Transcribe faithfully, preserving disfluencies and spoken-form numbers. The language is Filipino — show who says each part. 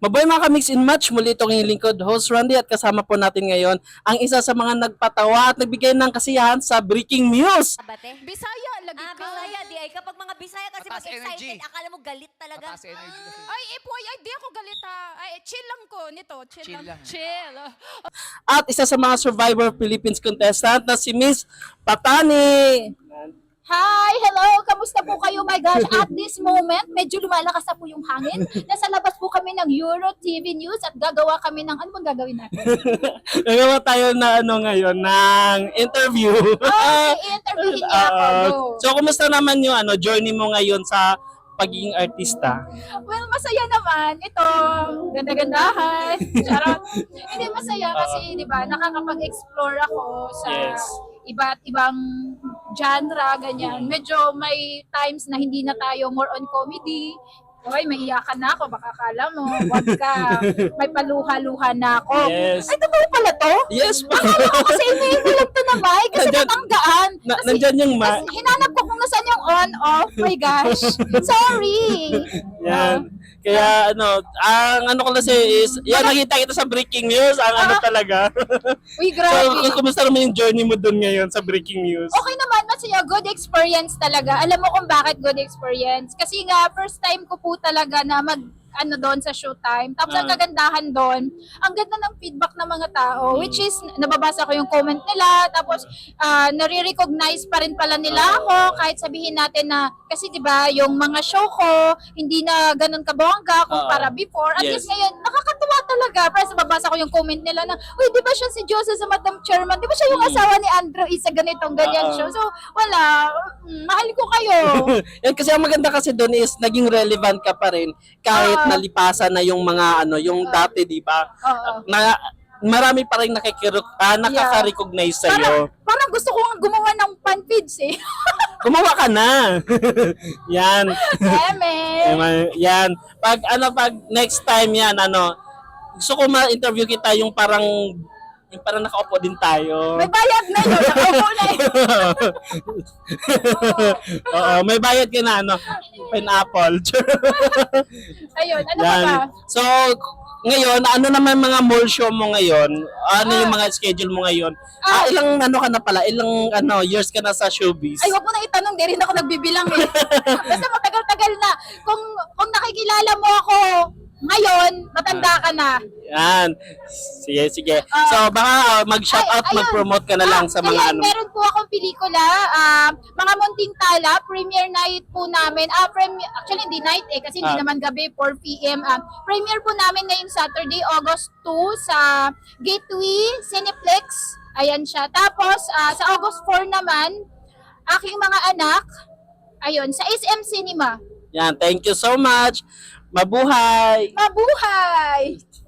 Speaker 1: Mabuhay mga ka-mix and match, muli itong inyong lingkod, host Randy, at kasama po natin ngayon ang isa sa mga nagpatawa at nagbigay ng kasiyahan sa breaking news.
Speaker 2: Abate?
Speaker 3: Bisaya, lagi
Speaker 2: Ah,
Speaker 3: ka.
Speaker 2: Bisaya, di ay. Kapag mga Bisaya kasi
Speaker 4: Mataas
Speaker 2: mag-excited,
Speaker 4: energy.
Speaker 2: akala mo galit talaga.
Speaker 4: Mataas energy kasi.
Speaker 3: Ay, ipoy, ay, di ako galit ha. Ay, chill lang ko nito. Chill,
Speaker 4: Chill
Speaker 3: lang.
Speaker 4: lang.
Speaker 3: Chill.
Speaker 1: At isa sa mga Survivor Philippines contestant na si Miss Patani.
Speaker 5: Hi! Hello! Kamusta po kayo? My gosh, at this moment, medyo lumalakas na po yung hangin. Nasa labas po kami ng Euro T V News at gagawa kami ng, ano bang gagawin natin?
Speaker 1: Nagawa tayo na ano ngayon, ng interview.
Speaker 5: Okay, i-interviewin niya ako.
Speaker 1: Ah,
Speaker 5: Go.
Speaker 1: so, kumusta naman yung ano, journey mo ngayon sa pagiging artista?
Speaker 5: Well, masaya naman. Ito, ganda-gandahan. Charot. Hindi masaya kasi, di ba, nakakapag-explore ako sa
Speaker 1: Yes.
Speaker 5: iba't ibang genre, ganyan. Medyo may times na hindi na tayo more on comedy. Hoy, may iyakan na ako, baka akala mo, wag ka. May paluha-luha na ako.
Speaker 1: Yes.
Speaker 5: Ay, totoo pala to?
Speaker 1: Yes pa.
Speaker 5: Akala ko kasi email mo lang to na Mike, kasi
Speaker 1: Nandyan-
Speaker 5: matanggaan.
Speaker 1: Na,
Speaker 5: Kasi,
Speaker 1: nandyan yung ma...
Speaker 5: kasi hinanap ko kung nasaan yung on-off. My gosh. Sorry.
Speaker 1: Yan. Kaya ano, ang ano ko kasi is, yan nakita kita sa breaking news, ang ano
Speaker 5: Ah.
Speaker 1: talaga.
Speaker 5: Uy,
Speaker 1: So,
Speaker 5: grabe.
Speaker 1: kumusta naman yung journey mo dun ngayon sa breaking news?
Speaker 5: Okay naman, masaya. Good experience talaga. Alam mo kung bakit good experience? Kasi nga, first time ko po talaga na mag ano doon sa showtime. Tapos ang
Speaker 1: Ah.
Speaker 5: kagandahan doon, ang ganda ng feedback ng mga tao, which is, nababasa ko yung comment nila, tapos ah, nare-recognize pa rin pala nila ako, kahit sabihin natin na, kasi di ba yung mga show ko, hindi na ganun kabongga kumpara
Speaker 1: Ah.
Speaker 5: before. At
Speaker 1: Yes.
Speaker 5: least ngayon, nakakatuwa talaga. Pero nababasa ko yung comment nila na, uy, di ba siya si Joseph sa Madam Chairman? Di ba siya yung
Speaker 1: Hmm.
Speaker 5: asawa ni Andrew isa ganitong ganyan
Speaker 1: Ah.
Speaker 5: show? So, wala. Mm, mahal ko kayo.
Speaker 1: Yan kasi ang maganda kasi doon is naging relevant ka pa rin kahit
Speaker 5: Oo.
Speaker 1: nalipasan na yung mga ano, yung
Speaker 5: Oo.
Speaker 1: dati, di ba?
Speaker 5: Oo.
Speaker 1: Na marami pa rin nakikiro, ah, nakaka-recognize sa
Speaker 5: Parang,
Speaker 1: iyo.
Speaker 5: parang gusto ko nga gumawa ng fan feeds eh.
Speaker 1: Gumawa ka na. Yan.
Speaker 5: Eme.
Speaker 1: Yan. Pag ano pag next time yan ano, gusto ko ma-interview kita yung parang yung parang nakaupo din tayo.
Speaker 5: May bayad na yun. Nakaupo na yun.
Speaker 1: Oo, may bayad ka na ano, pineapple.
Speaker 5: Ayun, ano pa
Speaker 1: Yan.
Speaker 5: ba?
Speaker 1: So, ngayon, ano naman mga mall show mo ngayon? Ano yung mga schedule mo ngayon? Ah,
Speaker 5: Ah.
Speaker 1: ilang ano ka na pala? Ilang ano years ka na sa showbiz?
Speaker 5: Ay, wag mo na itanong. Di rin ako nagbibilang eh. Basta matagal-tagal na. Kung, kung nakikilala mo ako ngayon, matanda ka na.
Speaker 1: Yan. Sige, sige.
Speaker 5: Ah.
Speaker 1: So, baka uh, mag-shout
Speaker 5: Ay,
Speaker 1: out,
Speaker 5: ayun.
Speaker 1: mag-promote ka na lang sa mga
Speaker 5: Ayan,
Speaker 1: ano.
Speaker 5: meron po akong pelikula, ah, Mga Munting Tala, premiere night po namin. Ah, premi- actually, hindi night eh, kasi hindi
Speaker 1: Ah.
Speaker 5: naman gabi, four p.m. Ah, premiere po namin ngayong Saturday, August two, sa Gateway Cineplex. Ayan siya. Tapos, ah, sa August four naman, aking mga anak, ayun, sa S M Cinema.
Speaker 1: Yan, thank you so much. Mabuhay!
Speaker 5: Mabuhay!